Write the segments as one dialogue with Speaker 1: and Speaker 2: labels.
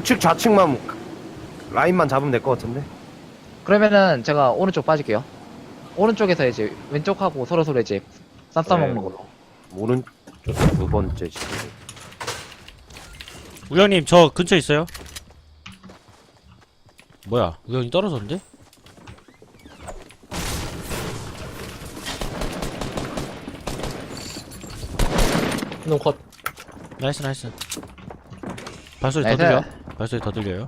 Speaker 1: 우측 좌측만 라인만 잡으면 될 것 같은데.
Speaker 2: 그러면은 제가 오른쪽 빠질게요. 오른쪽에서 이제 왼쪽하고 서로 이제 쌈 싸먹는
Speaker 1: 네.
Speaker 2: 걸로.
Speaker 1: 오른쪽 두 번째 지금.
Speaker 3: 우영님 저 근처에 있어요? 뭐야 우영이 떨어졌는데?
Speaker 4: 한놈 컷.
Speaker 3: 나이스 나이스. 발소리 더
Speaker 2: 나이스.
Speaker 3: 들려? 발소리 더 들려요?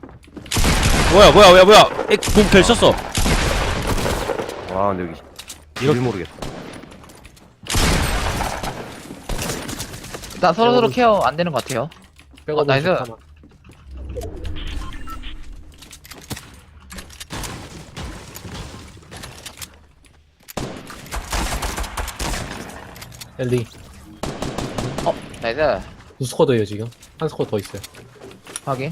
Speaker 3: 뭐야 몸 펼쳤어.
Speaker 1: 와 근데 여기
Speaker 3: 이렇게-
Speaker 1: 길 모르겠어.
Speaker 2: 일단 서로 케어 안 되는 것 같아요.
Speaker 4: 백업은
Speaker 2: 나이스.
Speaker 4: 좋다만. 엘리
Speaker 2: 나이스.
Speaker 4: 두 스쿼드예요 지금. 한 스쿼드 더 있어요.
Speaker 2: 확인.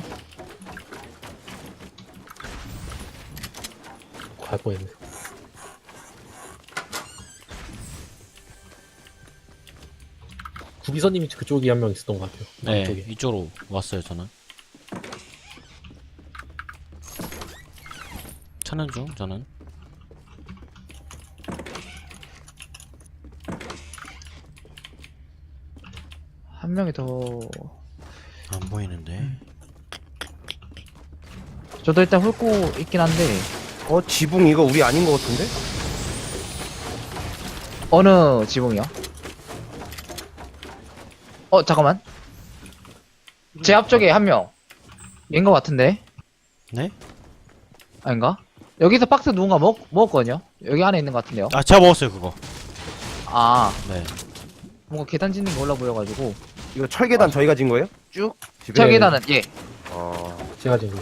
Speaker 4: 갈 뻔했네. 구비서님이 그쪽이 한 명 있었던 것 같아요.
Speaker 3: 네
Speaker 4: 이쪽에.
Speaker 3: 이쪽으로 왔어요 저는. 찾는 중 저는.
Speaker 2: 한 명이 더.
Speaker 3: 안 보이는데.
Speaker 2: 저도 일단 훑고 있긴 한데
Speaker 1: 지붕 이거 우리 아닌 것 같은데?
Speaker 2: 어느 지붕이요? 잠깐만. 제 앞쪽에 한 명. 인것 같은데?
Speaker 3: 네?
Speaker 2: 아닌가? 여기서 박스 누군가 먹었거든요? 여기 안에 있는 것 같은데요?
Speaker 3: 아 제가 먹었어요 그거.
Speaker 2: 아,
Speaker 3: 네.
Speaker 2: 뭔가 계단 짓는 게 올라 보여가지고.
Speaker 1: 이거 철계단 저희가 진 거예요? 쭉? 집에?
Speaker 2: 저 계단은, 예.
Speaker 4: 제가 지금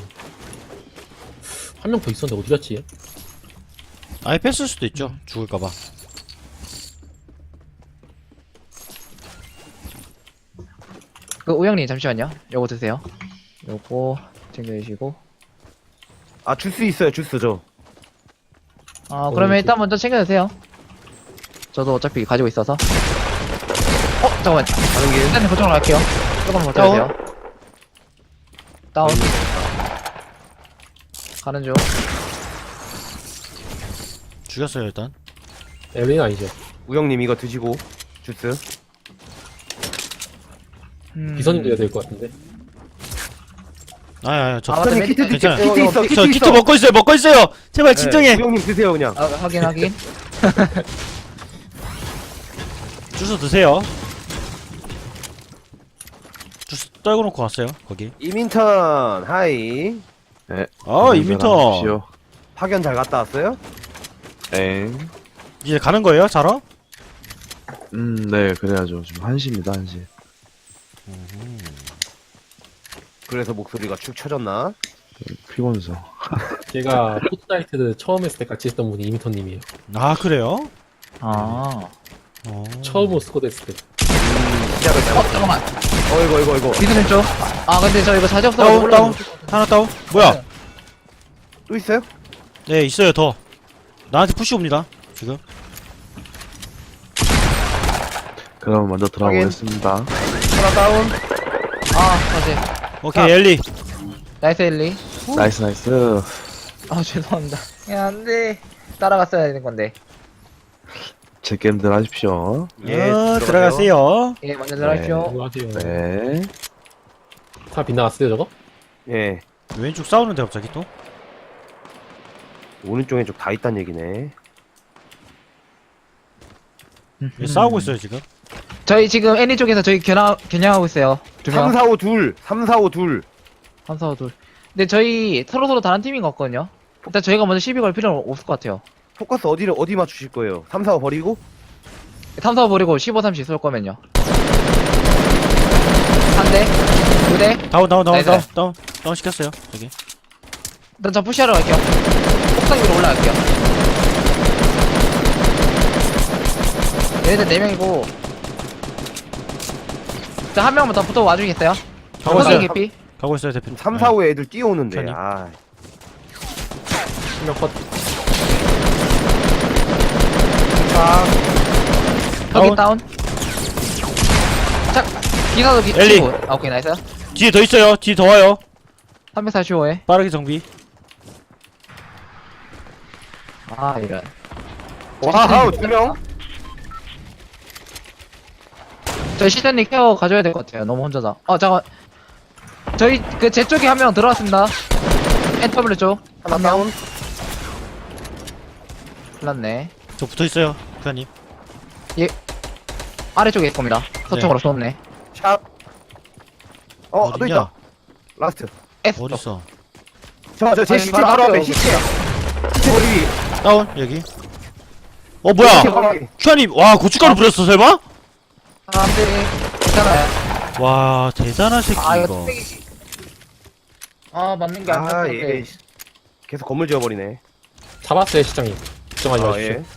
Speaker 4: 한 명 더 있었는데 어디 갔지? 얘?
Speaker 3: 아예 뺐을 수도 있죠. 죽을까봐.
Speaker 2: 우영님, 잠시만요. 요거 드세요. 요거 챙겨주시고.
Speaker 1: 주스 있어요 주스 저.
Speaker 2: 그러면 일단 먼저 챙겨주세요. 저도 어차피 가지고 있어서. 잠깐만.
Speaker 1: 가는 길.
Speaker 2: 일단 그쪽으로 갈게요. 조금만 버텨주세요. 다운. 가는 중.
Speaker 3: 죽였어요 일단.
Speaker 4: 엘리는 아니죠.
Speaker 1: 우영님 이거 드시고 주스.
Speaker 4: 비서님도 해야 될 것 같은데.
Speaker 3: 아야 저
Speaker 2: 맞다,
Speaker 1: 우영님 키트
Speaker 2: 메디컬.
Speaker 1: 드세요.
Speaker 3: 괜찮아요.
Speaker 1: 키트 있어 키트
Speaker 3: 저
Speaker 1: 있어.
Speaker 3: 키트 먹고 있어요. 제발 진정해.
Speaker 1: 우영님 드세요 그냥.
Speaker 2: 확인.
Speaker 3: 주스 드세요. 주스 떨고 놓고 왔어요 거기.
Speaker 1: 이민턴 하이.
Speaker 3: 이민터.
Speaker 1: 파견 잘 갔다 왔어요?
Speaker 3: 이제 가는 거예요 자러?
Speaker 5: 네, 그래야죠. 지금 1시입니다, 1시.
Speaker 1: 그래서 목소리가 축 처졌나?
Speaker 5: 피곤해서.
Speaker 4: 제가 포트나이트 처음 했을 때 같이 했던 분이 이미터님이에요.
Speaker 3: 아 그래요?
Speaker 2: 아.
Speaker 4: 처음 스쿼드 했을 때.
Speaker 1: 시작을 잘못.
Speaker 2: 잠깐만.
Speaker 1: 이거.
Speaker 2: 비스는 쪽. 근데 저 이거 자지 없어.
Speaker 3: 다운 하나 다운. 뭐야?
Speaker 1: 또 있어요?
Speaker 3: 네 있어요 더. 나한테 푸시 옵니다 지금.
Speaker 5: 그럼 먼저
Speaker 1: 확인.
Speaker 5: 들어가보겠습니다.
Speaker 1: 하나 다운.
Speaker 2: 다시.
Speaker 3: 오케이 엘리.
Speaker 2: 나이스 엘리.
Speaker 5: 나이스, 나이스.
Speaker 2: 죄송합니다. 야, 안 돼. 따라갔어야 되는 건데.
Speaker 5: 제 게임들 하십시오.
Speaker 3: 들어가세요.
Speaker 2: 예, 먼저 들어가십시오.
Speaker 4: 안녕하세요.
Speaker 5: 네.
Speaker 4: 다 빗나갔어요 저거?
Speaker 1: 예.
Speaker 3: 왼쪽 싸우는데 갑자기 또?
Speaker 1: 오른쪽 왼쪽 다 있단 얘기네.
Speaker 3: 싸우고 있어요 지금.
Speaker 2: 저희 지금 애니 쪽에서 저희 겨냥하고 있어요.
Speaker 1: 3, 4, 5, 2. 3, 4, 5, 2.
Speaker 2: 3, 4, 5, 둘. 근데 저희 서로 다른 팀인 것 같거든요. 일단 저희가 먼저 시비 걸 필요는 없을 것 같아요.
Speaker 1: 포커스 어디 맞추실 거예요? 3, 4, 5 버리고?
Speaker 2: 3, 4, 5 버리고 15, 30 쏠 거면요. 한 대, 두 대.
Speaker 3: 다운
Speaker 2: 나이스.
Speaker 3: 다운 시켰어요 저기.
Speaker 2: 일단 저 푸시하러 갈게요. 옥상 위로 올라갈게요. 얘네들 4명이고. 일단 한 명만 더 붙어 와주겠어요?
Speaker 3: 가고
Speaker 2: 옥상
Speaker 3: 있어요.
Speaker 2: 개피?
Speaker 3: 가고 있어요 대표님.
Speaker 1: 3, 4, 5에 애들 뛰어오는데.
Speaker 3: 편히.
Speaker 4: 한 명 컷.
Speaker 2: 여기 다운. 자, 기사도
Speaker 3: 엘리.
Speaker 2: 치고. 오케이, 나이스.
Speaker 3: 뒤에 더 있어요. 뒤에 더 와요.
Speaker 2: 345에.
Speaker 3: 빠르게 정비.
Speaker 2: 아, 이런.
Speaker 1: 와우 2명.
Speaker 2: 저희 시선님 케어 가져야 될 것 같아요. 너무 혼자다. 잠깐. 저희 그 제 쪽에 한 명 들어왔습니다. NW 쪽.
Speaker 1: 하나 다운.
Speaker 2: 큰일났네.
Speaker 3: 저 붙어있어요 부사님.
Speaker 2: 아래쪽에 있을 겁니다. 서쪽으로 쏘네.
Speaker 1: 샷. 또
Speaker 3: 어딨냐?
Speaker 1: 있다. 라스트.
Speaker 2: S 쪽.
Speaker 3: 어딨어?
Speaker 1: 제
Speaker 2: 아니,
Speaker 1: 시체
Speaker 2: 바로
Speaker 1: 바로 앞에
Speaker 2: 앞에
Speaker 1: 시체. 시체 버리기.
Speaker 3: 다운 여기. 뭐야
Speaker 1: 시체 버리기.
Speaker 3: 큐아님 와 고춧가루 뿌렸어 설마?
Speaker 2: 사람들이 괜찮아요.
Speaker 3: 와 대단한 새끼
Speaker 2: 아, 이거
Speaker 3: 이거.
Speaker 2: 뚝배기. 맞는 게 안
Speaker 1: 아
Speaker 2: 맞는데.
Speaker 1: 예. 계속 건물 지어버리네.
Speaker 4: 잡았어요 시장님. 걱정하지
Speaker 1: 아
Speaker 4: 마십시오.
Speaker 1: 예.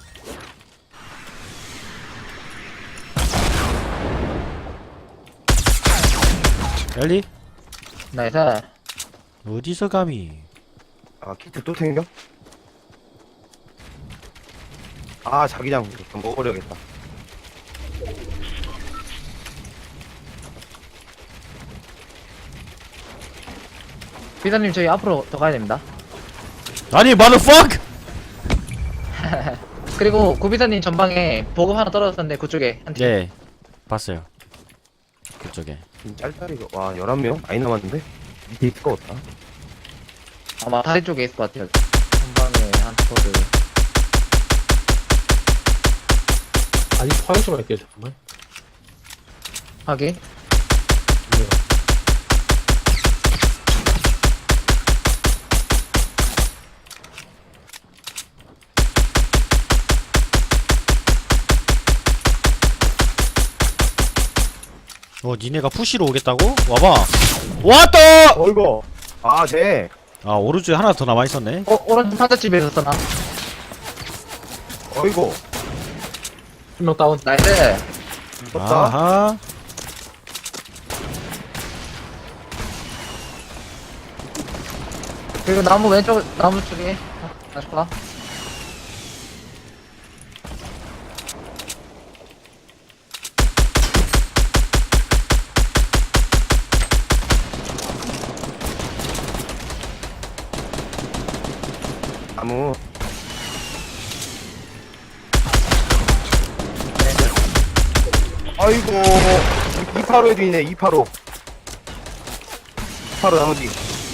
Speaker 3: 엘리
Speaker 2: 나이스.
Speaker 3: 어디서 감히?
Speaker 1: 아 키트 또 챙겨? 아 자기장 좀 먹어버려야겠다.
Speaker 2: 비서님 저희 앞으로 더 가야 됩니다.
Speaker 3: 아니 motherfuck!
Speaker 2: 그리고 구비서님 전방에 보급 하나 떨어졌었는데 그쪽에 한 팀.
Speaker 3: 예 봤어요 그쪽에.
Speaker 1: 짤짤이가 와 11명? 많이 남았는데? 밑에 있을 것 같다.
Speaker 2: 아마 다리 쪽에 있을 것 같아요. 전방에 한 포드.
Speaker 4: 아니 화영 좀 할게요 잠깐만.
Speaker 2: 확인.
Speaker 4: 네.
Speaker 3: 니네가 푸시로 오겠다고? 와봐. 왔다!
Speaker 1: 어이구. 아 쟤.
Speaker 3: 아 오른쪽에 하나 더 남아있었네.
Speaker 2: 오른쪽 판자집에 있었나?
Speaker 1: 어이구.
Speaker 4: 한 명 다운.
Speaker 2: 나이스.
Speaker 1: 떴다.
Speaker 3: 아하.
Speaker 2: 그리고 나무 왼쪽 나무 쪽에 다시 가.
Speaker 1: 나무. 아이고 285에도 있네. 285 나무 뒤.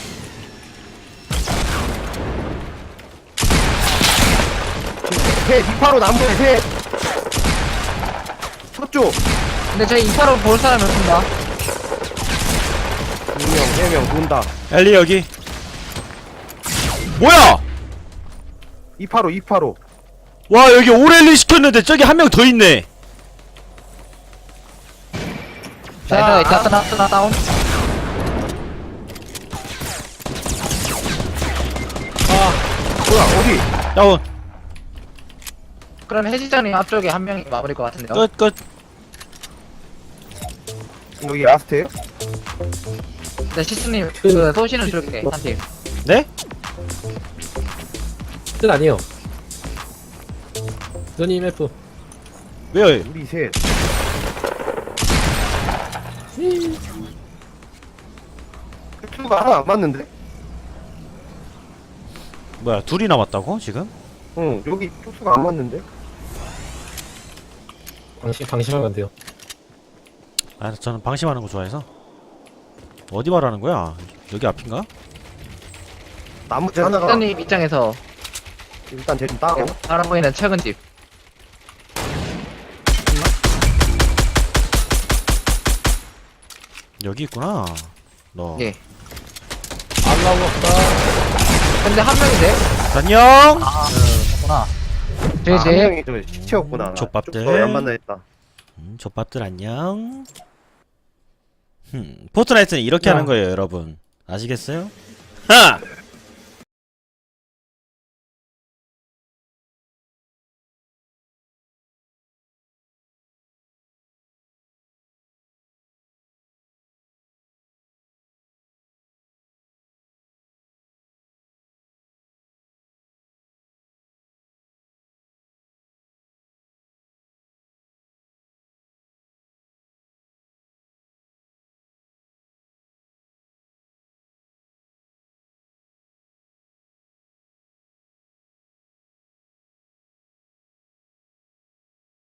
Speaker 1: 셋 285 나무에 셋. 서쪽
Speaker 2: 근데 저희 인파로 볼 사람이 없습니다.
Speaker 1: 2명 3명 돈다.
Speaker 3: 엘리 여기. 뭐야?
Speaker 1: 285
Speaker 3: 와 여기 오렐리 시켰는데 저기 한 명 더 있네.
Speaker 2: 나이스. 하나 다운.
Speaker 1: 뭐야 어디?
Speaker 3: 다운.
Speaker 2: 그럼 해지장님 앞쪽에 한 명이 마무리일 것 같은데요.
Speaker 3: 끝.
Speaker 1: 여기 라스트에요?
Speaker 2: 네, 시스님 그 쏘시는 쪽에 한 팀.
Speaker 3: 네?
Speaker 4: 뜻 아니에요. 너님 F.
Speaker 3: 왜요?
Speaker 1: 우리 셋. 투가 하나 안 맞는데?
Speaker 3: 뭐야 둘이 남았다고 지금?
Speaker 1: 응 여기 투수가 안 맞는데?
Speaker 4: 방심하면 안 돼요.
Speaker 3: 아 저는 방심하는 거 좋아해서. 어디 말하는 거야? 여기 앞인가?
Speaker 1: 나머지 하나가
Speaker 2: 시스님 입장에서
Speaker 1: 일단 쟤 좀 따고.
Speaker 2: 바라 보이는 최근 집.
Speaker 3: 여기 있구나. 너.
Speaker 2: 예.
Speaker 4: 알라우 없다.
Speaker 2: 근데 한 명인데?
Speaker 3: 안녕.
Speaker 2: 구나.
Speaker 1: 한
Speaker 2: 제제
Speaker 1: 명이 저 시체였구나.
Speaker 3: 족밥들.
Speaker 1: 안 만나 했다.
Speaker 3: 족밥들 안녕. 포트나이트는 이렇게
Speaker 4: 야.
Speaker 3: 하는 거예요, 여러분. 아시겠어요? 하!